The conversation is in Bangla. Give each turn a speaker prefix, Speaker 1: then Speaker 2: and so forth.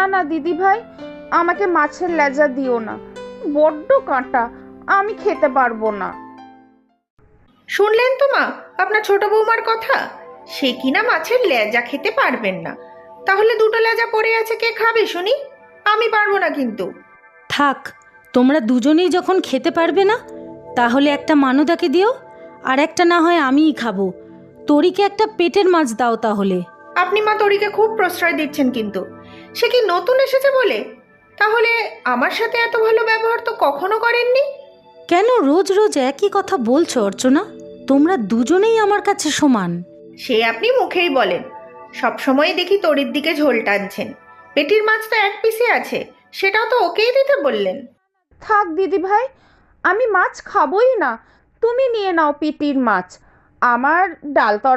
Speaker 1: না না দিদি ভাই, আমাকে মাছের লেজা দিও না, বড্ড কাঁটা, আমি খেতে পারবো না।
Speaker 2: শুনলেন তো মা আপনার ছোট বৌমার কথা, সে কিনা মাছের লেজা খেতে পারবেন না। তাহলে দুটো লেজা পড়ে আছে, কে খাবে শুনি? আমি পারবো না কিন্তু।
Speaker 3: থাক, তোমরা দুজনেই যখন খেতে পারবে না, তাহলে একটা মানুদাকে দিও, আর একটা না হয় আমিই খাবো। তরিকে একটা পেটের মাছ দাও তাহলে।
Speaker 2: আপনি মা তরিকে খুব প্রশ্রয় দিচ্ছেন কিন্তু। সে কি নতুন এসেছে বলে? তাহলে আমার সাথে এত ভালো ব্যবহার তো কখনো করেননি।
Speaker 3: কেন রোজ রোজ একই কথা বলছো অর্চনা? তোমরা দুজনেই আমার কাছে সমান।
Speaker 2: সে আপনি মুখেই বলেন, সব সময় দেখি তরির দিকে ঝোল টানছেন। পেটির মাছ তো এক পিসে আছে, সেটাও তো ওকেই দিতে বললেন।
Speaker 1: থাক দিদি ভাই, আমি মাছ খাবোই না, তুমি নিয়ে নাও পিটির মাছ। আমার ডাল